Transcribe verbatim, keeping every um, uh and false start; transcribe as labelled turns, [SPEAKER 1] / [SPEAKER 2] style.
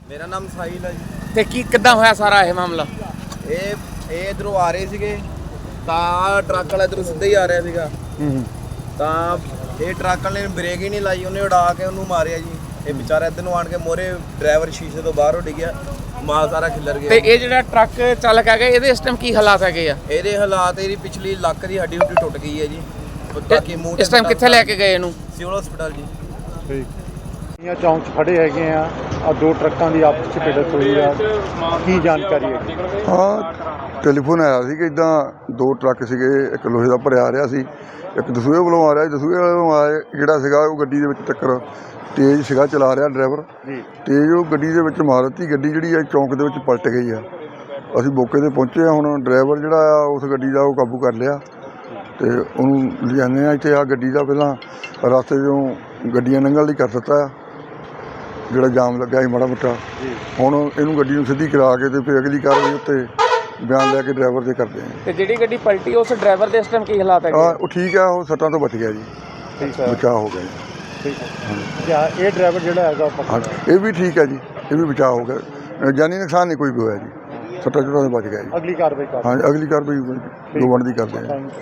[SPEAKER 1] ਮੇਰਾ ਨਾਮ ਸਾਹਿਲ ਹੈ ਜੀ।
[SPEAKER 2] ਤੇ ਕੀ ਕਿੱਦਾਂ ਹੋਇਆ ਸਾਰਾ ਇਹ ਮਾਮਲਾ?
[SPEAKER 1] ਇਹ ਇਹ ਇਧਰੋਂ ਆ ਰਹੇ ਸੀਗੇ ਤਾਂ ਟਰੱਕ ਵਾਲਾ ਇਧਰੋਂ ਸਿੱਧਾ ਹੀ ਆ ਰਿਹਾ ਸੀਗਾ।
[SPEAKER 2] ਹੂੰ
[SPEAKER 1] ਤਾਂ ਇਹ ਟਰੱਕ ਵਾਲੇ ਨੇ ਬ੍ਰੇਕ ਹੀ ਨਹੀਂ ਲਾਈ, ਉਹਨੇ ਉਡਾ ਕੇ ਉਹਨੂੰ ਮਾਰਿਆ ਜੀ। ਇਹ ਵਿਚਾਰਾ ਇੱਧਰ ਨੂੰ ਆਣ ਕੇ ਮੋਰੇ ਡਰਾਈਵਰ ਸ਼ੀਸ਼ੇ ਤੋਂ ਬਾਹਰ ਉੱਡ ਗਿਆ, ਮਾਲ ਸਾਰਾ ਖਿੱਲਰ ਗਿਆ।
[SPEAKER 2] ਤੇ ਇਹ ਜਿਹੜਾ ਟਰੱਕ ਚਾਲਕ ਹੈਗਾ ਇਹਦੇ ਇਸ ਟਾਈਮ ਕੀ ਹਾਲਾਤ ਹੈਗੇ ਆ?
[SPEAKER 1] ਇਹਦੇ ਹਾਲਾਤ, ਇਹਦੀ ਪਿਛਲੀ ਲੱਕ ਦੀ ਹੱਡੀ ਹੁੱਡੀ ਟੁੱਟ ਗਈ ਹੈ ਜੀ। ਬਾਕੀ ਮੂੰਹ ਤੇ
[SPEAKER 2] ਇਸ ਟਾਈਮ ਕਿੱਥੇ ਲੈ ਕੇ ਗਏ ਇਹਨੂੰ?
[SPEAKER 1] ਸਿਵਲ ਹਸਪਤਾਲ ਜੀ।
[SPEAKER 3] ਠੀਕ ਇਹ ਚੌਂਕ 'ਚ ਖੜੇ ਹੈਗੇ ਆ ਆ ਦੋ ਟਰੱਕਾਂ ਦੀ ਆਪਸ 'ਚ ਭਿੜਤ ਹੋਈ ਆ, ਕੀ ਜਾਣਕਾਰੀ ਹੈ?
[SPEAKER 4] ਹਾਂ, ਟੈਲੀਫੋਨ ਆਇਆ ਸੀ ਕਿ ਇੱਦਾਂ ਦੋ ਟਰੱਕ ਸੀਗੇ, ਇੱਕ ਲੋਹੇ ਦਾ ਭਰਿਆ ਆ ਰਿਹਾ ਸੀ, ਇੱਕ ਦਸੂਹੇ ਵੱਲੋਂ ਆ ਰਿਹਾ ਸੀ। ਦਸੂਹੇ ਵੱਲੋਂ ਆਏ ਜਿਹੜਾ ਸੀਗਾ ਉਹ ਗੱਡੀ ਦੇ ਵਿੱਚ ਟੱਕਰ ਤੇਜ਼ ਸੀਗਾ ਚਲਾ ਰਿਹਾ ਡਰਾਈਵਰ, ਤੇਜ਼ ਉਹ ਗੱਡੀ ਦੇ ਵਿੱਚ ਮਾਰ ਦਿੱਤੀ। ਗੱਡੀ ਜਿਹੜੀ ਆ ਚੌਂਕ ਦੇ ਵਿੱਚ ਪਲਟ ਗਈ ਆ। ਅਸੀਂ ਮੌਕੇ 'ਤੇ ਪਹੁੰਚੇ ਹਾਂ। ਹੁਣ ਡਰਾਈਵਰ ਜਿਹੜਾ ਆ ਉਸ ਗੱਡੀ ਦਾ ਉਹ ਕਾਬੂ ਕਰ ਲਿਆ ਅਤੇ ਉਹਨੂੰ ਲਿਜਾਂਦੇ ਆ ਇੱਥੇ। ਆ ਗੱਡੀ ਦਾ ਪਹਿਲਾਂ ਰਸਤੇ 'ਚੋਂ ਗੱਡੀਆਂ ਲੰਘਣ ਲਈ ਕਰ ਦਿੱਤਾ ਆ, ਜਿਹੜਾ ਜਾਮ ਲੱਗਾ ਸੀ ਮਾੜਾ ਮੋਟਾ। ਹੁਣ ਇਹਨੂੰ ਗੱਡੀ ਨੂੰ ਸਿੱਧੀ ਕਰਾ ਕੇ ਅਤੇ ਫਿਰ ਅਗਲੀ ਕਾਰਵਾਈ ਉੱਤੇ ਬਿਆਨ ਲੈ ਕੇ ਡਰਾਈਵਰ ਦੇ ਕਰਦੇ ਹਾਂ।
[SPEAKER 2] ਤੇ ਜਿਹੜੀ ਗੱਡੀ ਪਲਟੀ ਉਸ ਡਰਾਈਵਰ ਦੇ ਇਸ ਟਾਈਮ ਕੀ ਹਾਲਾਤ ਹੈਗੇ?
[SPEAKER 4] ਹਾਂ, ਉਹ ਠੀਕ ਆ, ਉਹ ਸੱਟਾਂ ਤੋਂ ਬਚ ਗਿਆ ਜੀ,
[SPEAKER 3] ਠੀਕ ਹੈ,
[SPEAKER 4] ਬਚਾਅ ਹੋ ਗਿਆ ਜੀ।
[SPEAKER 3] ਠੀਕ ਹੈ। ਇਹ ਡਰਾਈਵਰ ਜਿਹੜਾ ਹੈਗਾ ਉਹ
[SPEAKER 4] ਹਾਂ, ਇਹ ਵੀ ਠੀਕ ਹੈ ਜੀ, ਇਹ ਵੀ ਬਚਾਅ ਹੋ ਗਿਆ। ਜਾਨੀ ਨੁਕਸਾਨ ਨਹੀਂ ਕੋਈ ਵੀ ਹੋਇਆ ਜੀ, ਸੱਟਾਂ ਚੋਟਾਂ ਤੋਂ ਬਚ ਗਿਆ ਜੀ।
[SPEAKER 3] ਅਗਲੀ ਕਾਰਵਾਈ ਕਰ
[SPEAKER 4] ਹਾਂ, ਅਗਲੀ ਕਾਰਵਾਈ ਜੋ ਬਣਦੀ ਕਰਦੇ ਹਾਂ।